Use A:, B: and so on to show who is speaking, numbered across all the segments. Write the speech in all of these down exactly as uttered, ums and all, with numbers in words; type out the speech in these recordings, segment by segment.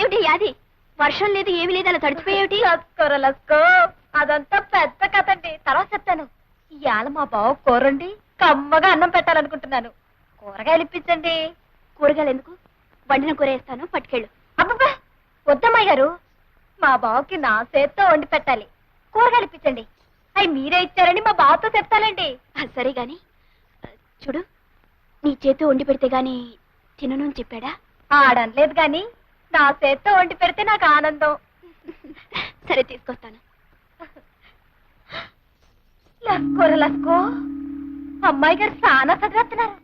A: ఏమిటి యాది? వర్షం లేదు ఏమి లేదు అలా తడిచిపోయేమిటి?
B: లస్కోర లస్కో అదంతా పెద్ద కథ అండి, తర్వాత చెప్తాను. ఇవాళ మా బావ కూరండి కమ్మగా అన్నం పెట్టాలనుకుంటున్నాను. కూరగాయలు ఇప్పించండి.
A: కూరగాయలు ఎందుకు? వండిన కూర వేస్తాను, పట్టుకెళ్ళు.
B: అబ్బబ్బా వద్దమ్మాయి గారు, మా బావకి నా చేత్తో వండి పెట్టాలి. కూరగాయలు ఇప్పించండి. అవి మీరే ఇచ్చారని మా బావతో చెప్తానండి.
A: ఆ, సరే గాని ఆ, చూడు, నీ చేతితో వండి పెడితే గాని తినను అని చెప్పాడా?
B: ఆడనలేదు గాని నా చేత్తో వండి పెడితే నాకు ఆనందం.
A: సరే తీసుకొస్తాను.
B: లస్కోర లస్కో అమ్మాయి గారు చాలా చదివేస్తున్నారు.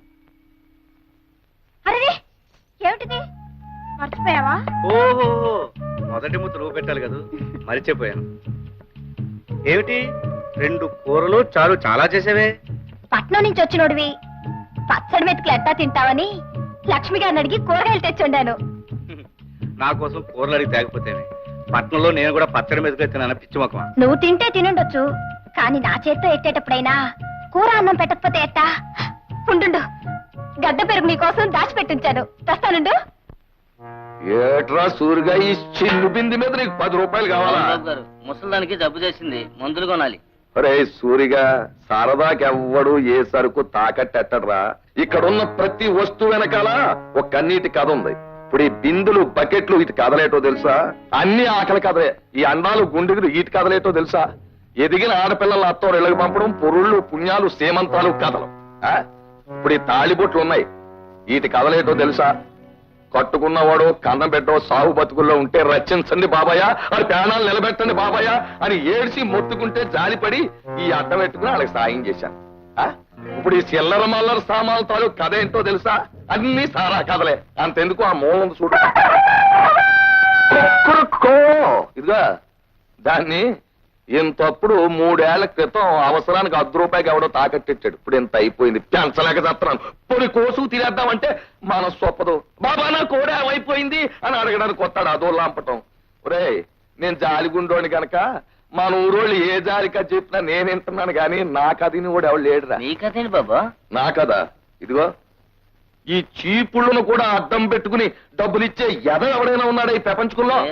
B: అరే ఏమిటిది, మర్చిపోయావా?
C: ఓహో, మొదటి ముద్ద నువ్వు పెట్టాలి కదా, మరిచిపోయాను. ఏమిటి రెండు కూరలు చాలు చాలా చేసేవే?
B: పట్నం నుంచి వచ్చినోడివి పచ్చడి మెతుకులు ఎట్టా తింటావని లక్ష్మి గారిని అడిగి కూరగాయలు తెచ్చుండాను.
C: నా కోసం కూరలు అడిగి తేకపోతేనే. పట్నంలో నేను కూడా పచ్చడి మీద తిన్నాను, పిచ్చి మొక్కమా.
B: నువ్వు తింటే తినుండొచ్చు, కానీ నా చేత్తో ఎట్టేటప్పుడైనా కూర అన్నం పెట్టకపోతే ఎట్టా? ఉండు, గడ్డ పెరుగు నీకోసం దాచిపెట్టించాను, తెస్తానుండు.
D: ఏట్రా సూరిగా ఈ చిల్లు బింది మీద నీకు పది రూపాయలు కావాలా?
E: ముసలానికి జబ్బు చేసింది, మందులు కొనాలి.
D: అరే సూరిగా, సరదాకెవ్వడు ఏ సరుకు తాకట్టెట్టడ్రా. ఇక్కడున్న ప్రతి వస్తువు వెనకాల ఒక కన్నీటి కథ ఉంది. ఇప్పుడు ఈ బిందులు బకెట్లు ఇటు కదలేటో తెలుసా? అన్ని ఆకలి కదలే. ఈ అండాలు గుండెలు ఇటు కదలేటో తెలుసా? ఎదిగిన ఆడపిల్లల అత్తో ఇళ్ళకి పంపడం, పొరుళ్ళు పుణ్యాలు సేమంతాలు కథలు. ఆ ఇప్పుడు ఈ తాళిబొట్లు ఉన్నాయి, వీటి కదలేటో తెలుసా? కట్టుకున్నవాడు కన్నం పెట్టో సాగు బతుకుల్లో ఉంటే రచించండి బాబాయ్, అది ప్రాణాలు నిలబెట్టండి బాబాయ్ అని ఏడ్చి మొత్తుకుంటే జాలిపడి ఈ అడ్డం పెట్టుకుని వాళ్ళకి సాయం చేశాను. ఇప్పుడు ఈ చిల్లర మల్లర సామాన్ల తాలూ కథ ఏంటో తెలుసా? అన్ని సారా కథలే. అంతెందుకు ఆ మూలం చూడు, ఇదిగా దాన్ని ఇంతప్పుడు మూడేళ్ల క్రితం అవసరానికి అర్ధ రూపాయికి ఎవడో తాకట్టిచ్చాడు. ఇప్పుడు ఇంత అయిపోయింది, పెంచలేక చేస్తున్నాను. పొడి కోసు తినేద్దామంటే మనస్సు ఒప్పదు. బాబా నా కోడే అయిపోయింది అని అడగడానికి వస్తాడు, అదో లాంపటం. ఒరే నేను జాలిగుండోని గనక మన ఊరోళ్ళు ఏ జాలికా చెప్పినా నేను వింటున్నాను గాని నా కథని కూడా ఎవడు లేడురా.
E: నీ కథేంటి బాబా?
D: నా కదా ఇదిగో, ఈ చీపుళ్ళను కూడా అడ్డం పెట్టుకుని డబ్బులిచ్చే ఎద ఎవడైనా ఉన్నాడా ఈ ప్రపంచంలో?